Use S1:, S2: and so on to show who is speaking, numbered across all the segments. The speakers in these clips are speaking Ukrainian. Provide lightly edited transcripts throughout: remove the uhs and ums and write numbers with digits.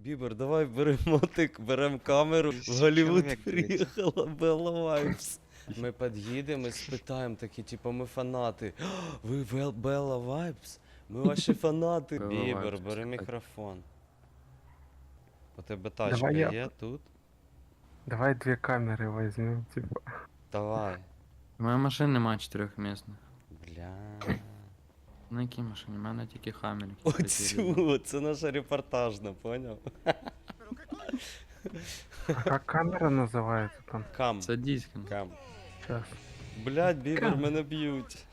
S1: Бібер, давай беремо мотик, беремо камеру. В Голлівуд
S2: Чоловік
S1: приїхала Белла Вайпс. Ми під'їдемо і спитаємо такі, типу, ми фанати. Ви Белла Вайпс? Ми ваші фанати.
S3: Белла
S1: Бібер,
S3: Вайпс,
S1: бери
S3: так.
S1: мікрофон. У тебе тачка
S4: Давай я-
S1: є тут?
S4: Давай 2 камеры возьмем, типа.
S1: Давай.
S3: У мене машин нема 4-місних.
S1: Бля.
S3: На якій машині? У мене тільки хаммер.
S1: Оцю, це наша репортажна, поняв?
S4: А как камера называется там?
S1: Кам.
S3: Це дійсно.
S1: Кам.
S4: Сейчас.
S1: Блядь, Бібер, мене б'ють.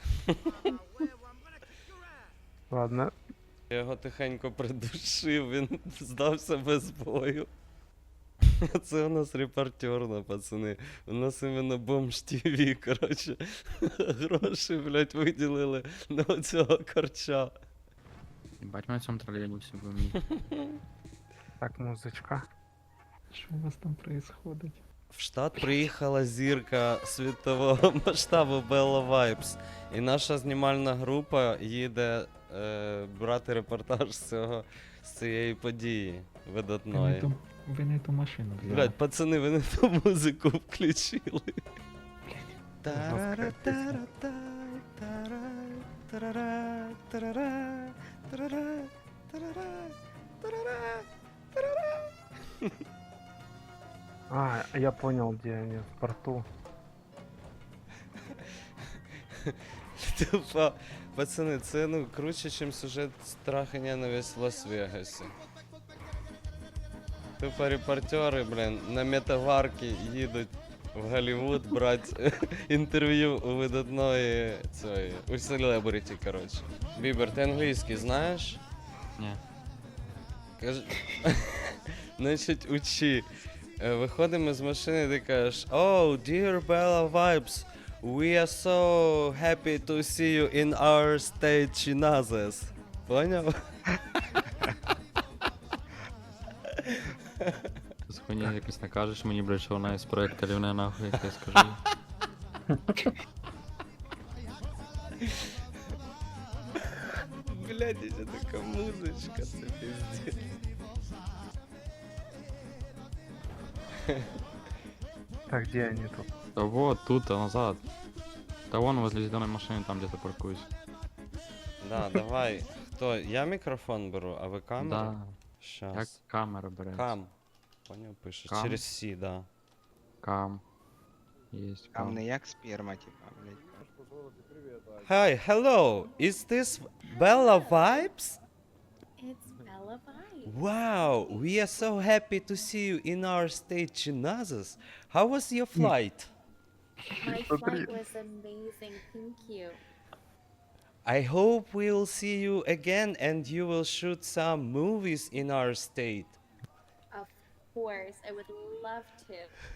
S4: Ладно.
S1: Я його тихенько придушив, він здався без бою. Це у нас репортерна, пацани. У нас іменно бомж ТВ, коротше. Гроші, блядь, виділили на оцього корча.
S3: Бать, ми в цьому тролейбусі будемо їхати.
S4: Так, музычка.
S5: Що у вас там происходить?
S1: В штат приїхала зірка світового масштабу Белла Вайпс. І наша знімальна група їде брати репортаж з цієї події видатної.
S5: Ви не ту машину взяли.
S1: Блядь, пацани, ви не ту музику включили.
S4: Жорстка пісня. А, я понял, где они, в порту.
S1: Тупо, пацани, це ну круче, ніж сюжет страх і ненависть в Лас-Вегасі. Тупо репортери, блін, на метаварки їдуть в Голлівуд брати інтерв'ю у видатної цієї, у селебриті, коротше. Бібер, ти англійський знаєш?
S3: Ні.
S1: Каж... Значить, учи. Виходимо з машини, ти кажеш: "Oh, dear Bella Vibes, we are so happy to see you in our state Chinazes." Поняв?
S3: Ти з хуйні якось накажеш мені, блядь, що вона із проекту рівне нахуй, як я скажу.
S1: Блядь, ще така музичка, це пиздец.
S4: Так, где они тут?
S3: Та вот, тут, а назад. Та вон возле зеленой машины, там где-то паркуюсь.
S1: Да, давай. Хто? Я мікрофон беру, а ви камеру?
S3: Да. Як
S1: Щас.
S3: камера бере.
S1: Кам. Поняв, пишеш.
S3: Кам?
S1: Через Сі, да.
S3: Кам. Єсть
S2: Там
S3: кам.
S2: не як сперма, типа, блядь.
S1: Hi, hello. Is this Bella Vibes?
S6: It's Bella Vibes.
S1: Wow, we are so happy to see you in our state, Chinazas. How was your flight?
S6: My flight was amazing. Thank you.
S1: I hope we'll see you again and you will shoot some movies in our state.
S6: Of course, I would love to.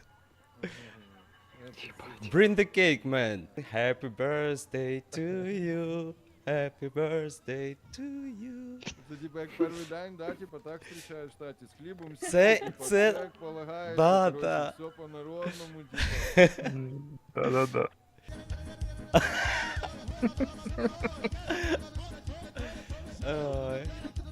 S1: Bring the cake, man. Happy birthday to you. Happy birthday to you.
S7: Це типа як перший день, да, типа так зустрічаєш в штаті з хлібом,
S1: Це-
S7: типа,
S1: це-
S7: як полагається,
S1: да,
S7: коротше,
S1: да.
S7: все по-народному, типа.
S4: Да-да-да.
S1: Ой.